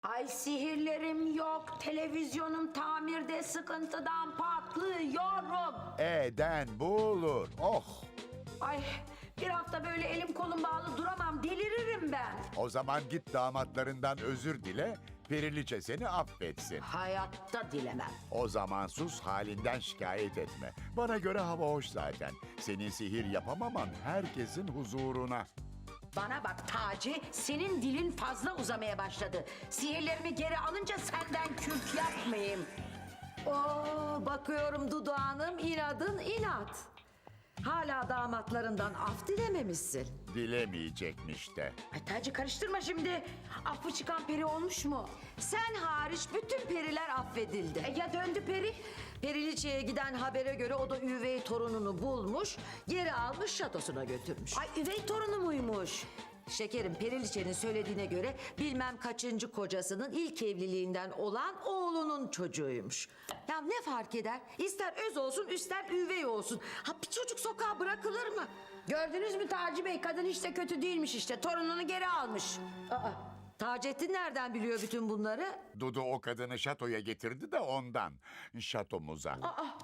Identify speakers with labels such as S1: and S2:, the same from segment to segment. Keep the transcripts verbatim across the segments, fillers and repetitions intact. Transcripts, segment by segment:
S1: Ay sihirlerim yok, televizyonum tamirde, sıkıntıdan patlıyorum.
S2: Eden bu olur. Oh!
S1: Ay bir hafta böyle elim kolum bağlı duramam, deliririm ben.
S2: O zaman git damatlarından özür dile, Periliçe seni affetsin.
S1: Hayatta dilemem.
S2: O zaman sus, halinden şikayet etme. Bana göre hava hoş zaten. Senin sihir yapamaman herkesin huzuruna.
S1: Bana bak Taci, senin dilin fazla uzamaya başladı. Sihirlerimi geri alınca senden kürk yapmayayım.
S3: Oo, bakıyorum Dudu Hanım, inadın inat. Hala damatlarından af dilememişsin.
S2: Dilemeyecekmiş de.
S1: Ay Taci karıştırma şimdi. Affı çıkan peri olmuş mu?
S3: Sen hariç bütün periler affedildi.
S1: E, ya döndü peri?
S3: Periliçe'ye giden habere göre o da üvey torununu bulmuş, geri almış şatosuna götürmüş.
S1: Ay üvey torunu muymuş?
S3: Şekerim, Periliçe'nin söylediğine göre bilmem kaçıncı kocasının ilk evliliğinden olan oğlunun çocuğuymuş. Ya ne fark eder? İster öz olsun, ister üvey olsun. Ha bir çocuk sokağa bırakılır mı?
S1: Gördünüz mü Taci Bey? Kadın hiç de kötü değilmiş işte. Torununu geri almış.
S3: Aa, Taceddin nereden biliyor bütün bunları?
S2: Dudu o kadını şatoya getirdi de ondan. Şatomuza.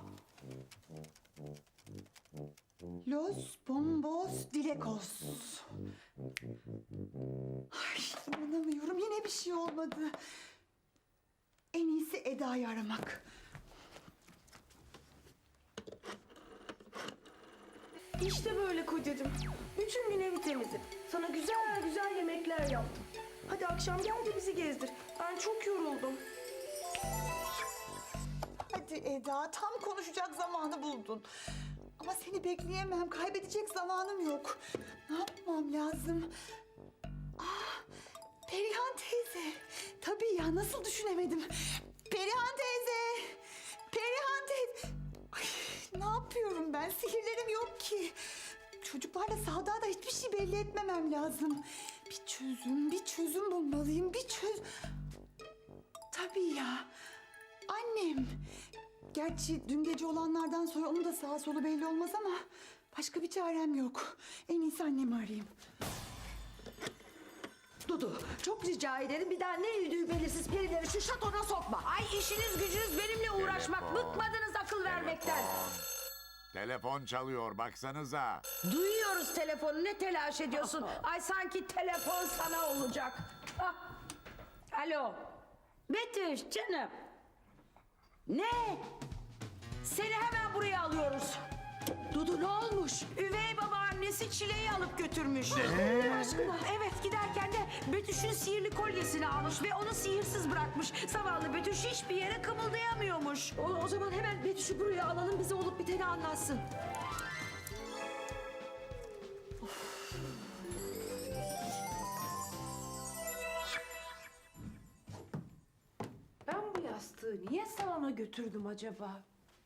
S4: Los bombos dilekos. Ay inanamıyorum, yine bir şey olmadı. En iyisi Eda'yı aramak.
S5: İşte böyle kocacığım. Bütün gün evi temizledim. Sana güzel güzel yemekler yaptım. Hadi akşam gel de bizi gezdir. Ben çok yoruldum.
S4: Hadi Eda, tam konuşacak zamanı buldun. Ama seni bekleyemem, kaybedecek zamanım yok. Ne yapmam lazım? Ah, Perihan teyze. Tabii ya, nasıl düşünemedim? Perihan teyze! Perihan teyze! Ay, ne yapıyorum ben? Sihirlerim yok ki. Çocuklarla sahada da hiçbir şey belli etmemem lazım. Bir çözüm, bir çözüm bulmalıyım. Bir çöz... Tabii ya. Annem. Gerçi dün gece olanlardan sonra onun da sağa solu belli olmaz ama... başka bir çarem yok. En iyisi annemi arayayım.
S3: Dudu, çok rica ederim bir daha ne yüdüğü belirsiz perileri şu şatona sokma.
S1: Ay işiniz gücünüz benimle uğraşmak.
S2: Telefon.
S1: Bıkmadınız akıl vermekten.
S2: Telefon çalıyor, baksanıza.
S1: Duyuyoruz telefonu. Ne telaş ediyorsun? Ay sanki telefon sana olacak. Ah. Alo. Betüş canım. Ne? Seni hemen buraya alıyoruz.
S3: Dudu ne olmuş?
S1: Üvey babaannesi Çile'yi alıp götürmüş.
S2: Ne?
S1: Aşkına. Evet giderken de Betüş'ün sihirli kolyesini almış ve onu sihirsiz bırakmış. Zavallı Betüş hiçbir yere kımıldayamıyormuş.
S3: O, o zaman hemen Betüş'ü buraya alalım, bize olup biteni anlatsın.
S5: Ben bu yastığı niye salona götürdüm acaba?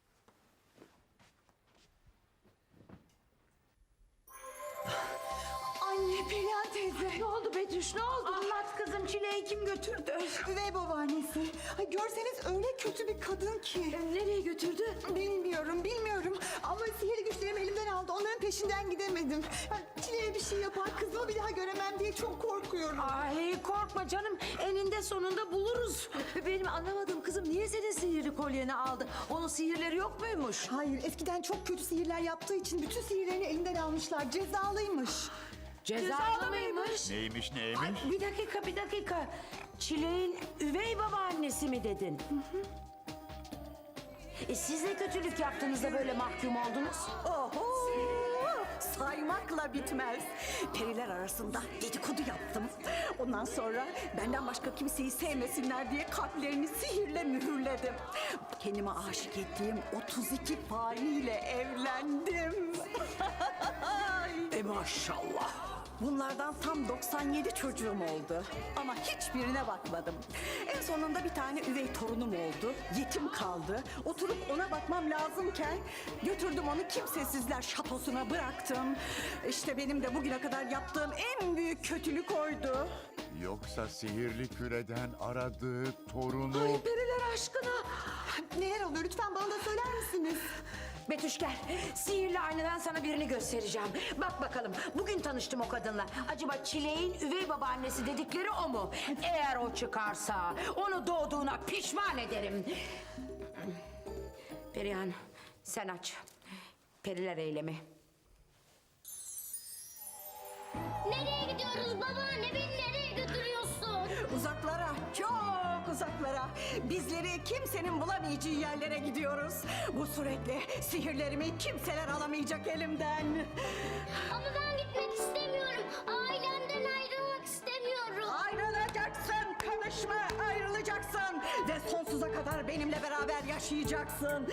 S4: Anne, Perihan teyze.
S1: Ne oldu Betüş ne oldu? Anlat kızım Çile'yi kim götürdü?
S4: Üvey babaannesi. Ay görseniz öyle kötü bir kadın ki.
S3: Nereye götürdü?
S4: Bilmiyorum, bilmiyorum. Ama sihirli güçlerimi elimden aldı. Onların peşinden gidemedim. Ya, Çile'ye bir şey yapar, kızımı bir daha göremem diye çok korkuyorum.
S1: Ay korkma canım eninde sonunda buluruz.
S3: Benim anlamadığım kızım niye senin sihirli kolyeni aldı? Onun sihirleri yok muymuş?
S4: Hayır, eskiden çok kötü sihirler yaptığı için bütün sihirlerini elinden almışlar. Cezalıymış.
S1: Cezalı mıymış?
S2: Neymiş neymiş?
S1: Ay, bir dakika bir dakika. Çileğin üvey babaannesi mi dedin? E siz ne kötülük yaptınız da böyle mahkum oldunuz?
S6: Oho! Saymakla bitmez. Periler arasında dedikodu yaptım. Ondan sonra benden başka kimseyi sevmesinler diye kalplerini sihirle mühürledim. Kendime aşık ettiğim otuz iki faniyle evlendim.
S1: E maşallah.
S6: Bunlardan tam doksan yedi çocuğum oldu. Ama hiçbirine bakmadım. En sonunda bir tane üvey torunum oldu. Yetim kaldı. Oturup ona bakmam lazımken götürdüm onu kimsesizler şatosuna bıraktım. İşte benim de bugüne kadar yaptığım en büyük kötülük oydu.
S2: Yoksa sihirli küreden aradığı torunu...
S3: Ay periler aşkına.
S4: Neler oluyor lütfen bana da söyler misiniz?
S1: Betüş gel. Sihirli aynadan sana birini göstereceğim. Bak bakalım. Bugün tanıştım o kadınla. Acaba Çileğin üvey babaannesi dedikleri o mu? Eğer o çıkarsa onu doğduğuna pişman ederim. Perihan sen aç. Periler eylemi.
S7: Nereye gidiyoruz babaanne? Beni nereye götürüyorsun?
S6: Uzaklara, çok uzaklara. Bizleri kimsenin bulamayacağı yerlere gidiyoruz. Bu suretle sihirlerimi kimseler alamayacak elimden.
S7: Ama ben gitmek istemiyorum. Ailemden ayrılmak istemiyorum.
S6: Ayrılacaksın, konuşma, ayrılacaksın. Ve sonsuza kadar benimle beraber yaşayacaksın.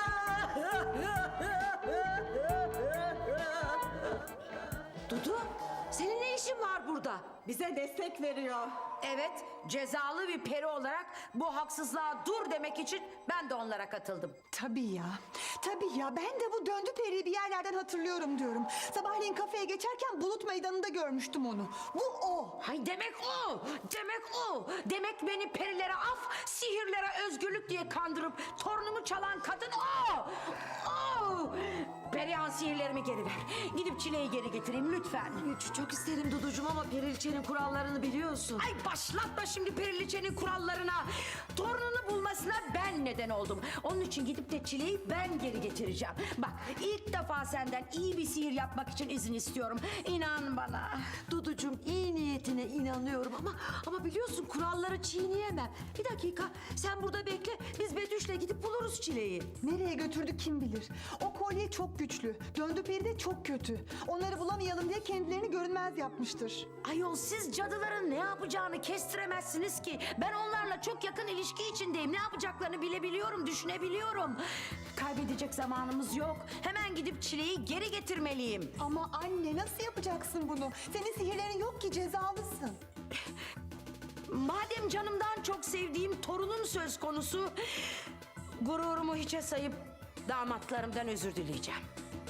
S3: Dudu, senin ne işin var burada?
S6: Bize destek veriyor.
S1: Evet, cezalı bir peri olarak bu haksızlığa dur demek için ben de onlara katıldım.
S4: Tabii ya. Tabii ya. Ben de bu döndü periyi bir yerlerden hatırlıyorum diyorum. Sabahleyin kafeye geçerken Bulut Meydanı'nda görmüştüm onu. Bu o.
S1: Hay demek o, demek o. Demek beni perilere af, sihirlere özgürlük diye kandırıp torunumu çalan kadın o. O. Perihan sihirlerimi geri ver. Gidip Çileği geri getireyim lütfen.
S3: Ç- Çok isterim Duducuğum ama Periliçe'nin kurallarını biliyorsun.
S1: Ay başlatma şimdi Periliçe'nin kurallarına. Torununu bulmasına ben neden oldum. Onun için gidip de Çileği ben geri getireceğim. Bak ilk defa senden iyi bir sihir yapmak için izin istiyorum. İnan bana.
S3: Duducuğum iyi niyetine inanıyorum ama ama biliyorsun kuralları çiğneyemem. Bir dakika sen burada bekle biz Betüş'le gidip buluruz Çileği.
S4: Nereye götürdü kim bilir. O kolye çok güçlü. Döndü peri de çok kötü. Onları bulamayalım diye kendilerini görünmez yapmıştır.
S1: Ayol siz cadıların ne yapacağını kestiremezsiniz ki. Ben onlarla çok yakın ilişki içindeyim. Ne yapacaklarını bilebiliyorum, düşünebiliyorum. Kaybedecek zamanımız yok. Hemen gidip Çileği geri getirmeliyim.
S4: Ama anne nasıl yapacaksın bunu? Senin sihirlerin yok ki cezalısın.
S1: Madem canımdan çok sevdiğim torunum söz konusu, gururumu hiçe sayıp damatlarımdan özür dileyeceğim.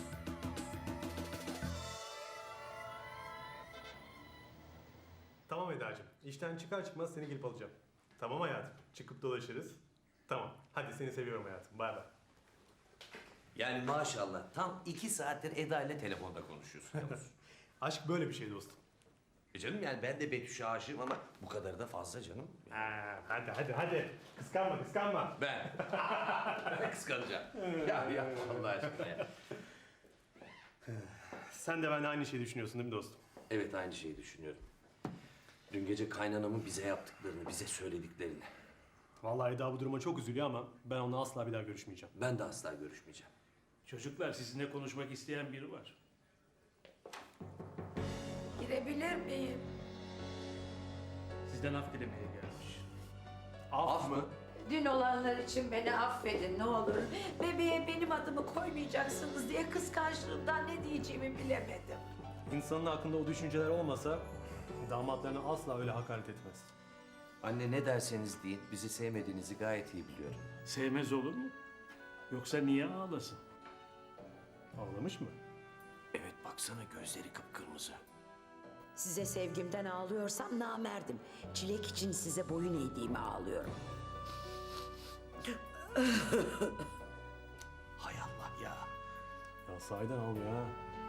S8: Tamam Eda'cığım. İşten çıkar çıkmaz seni gelip alacağım. Tamam hayatım. Çıkıp dolaşırız. Tamam. Hadi seni seviyorum hayatım. Bay bay.
S9: Yani maşallah tam iki saattir Eda ile telefonda konuşuyorsun Yavuz.
S8: Aşk böyle bir şey dostum.
S9: E canım yani ben de Betüş'e aşığım ama bu kadar da fazla canım.
S8: Ha, hadi hadi hadi. Kıskanma kıskanma.
S9: Ben. Kıskanacağım. ya ya Allah aşkına ya.
S8: Sen de benimle aynı şeyi düşünüyorsun değil mi dostum?
S9: Evet aynı şeyi düşünüyorum. Dün gece kaynanamın bize yaptıklarını, bize söylediklerini.
S8: Vallahi Eda bu duruma çok üzülüyor ama ben onunla asla bir daha görüşmeyeceğim.
S9: Ben de asla görüşmeyeceğim.
S10: Çocuklar sizinle konuşmak isteyen biri var.
S1: Girebilir miyim?
S10: Sizden af dilemeye gelmiş.
S8: Af, mı?
S1: Dün olanlar için beni affedin ne olur. Bebeğe benim adımı koymayacaksınız diye kıskançlığımdan ne diyeceğimi bilemedim.
S8: İnsanın aklında o düşünceler olmasa damatlarına asla öyle hakaret etmez.
S9: Anne ne derseniz deyin bizi sevmediğinizi gayet iyi biliyorum.
S10: Sevmez olur mu? Yoksa niye ağlasın?
S8: Ağlamış mı?
S9: Evet baksana gözleri kıpkırmızı.
S1: Size sevgimden ağlıyorsam namerdim. Çilek için size boyun eğdiğime ağlıyorum.
S9: Hay Allah ya.
S8: Ya sahiden ağlıyor ha.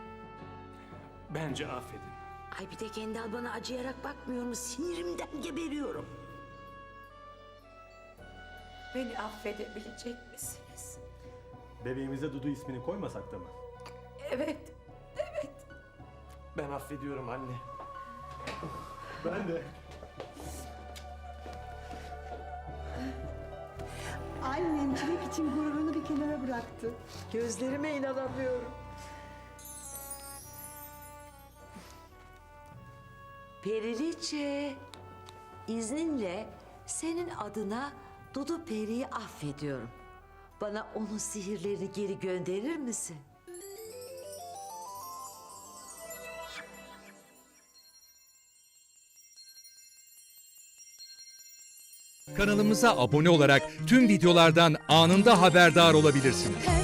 S10: Bence affedin.
S1: Ay bir de Kendal bana acıyarak bakmıyor mu? Sinirimden geberiyorum. Beni affedebilecek misiniz?
S8: Bebeğimize Dudu ismini koymasak da mı?
S1: Evet, evet.
S9: Ben affediyorum anne.
S8: Ben de.
S4: Annem Çilek için gururunu bir kenara bıraktı.
S3: Gözlerime inanamıyorum. Periliçe, izninle senin adına Dudu Peri'yi affediyorum. Bana onun sihirlerini geri gönderir misin?
S11: Kanalımıza abone olarak tüm videolardan anında haberdar olabilirsiniz.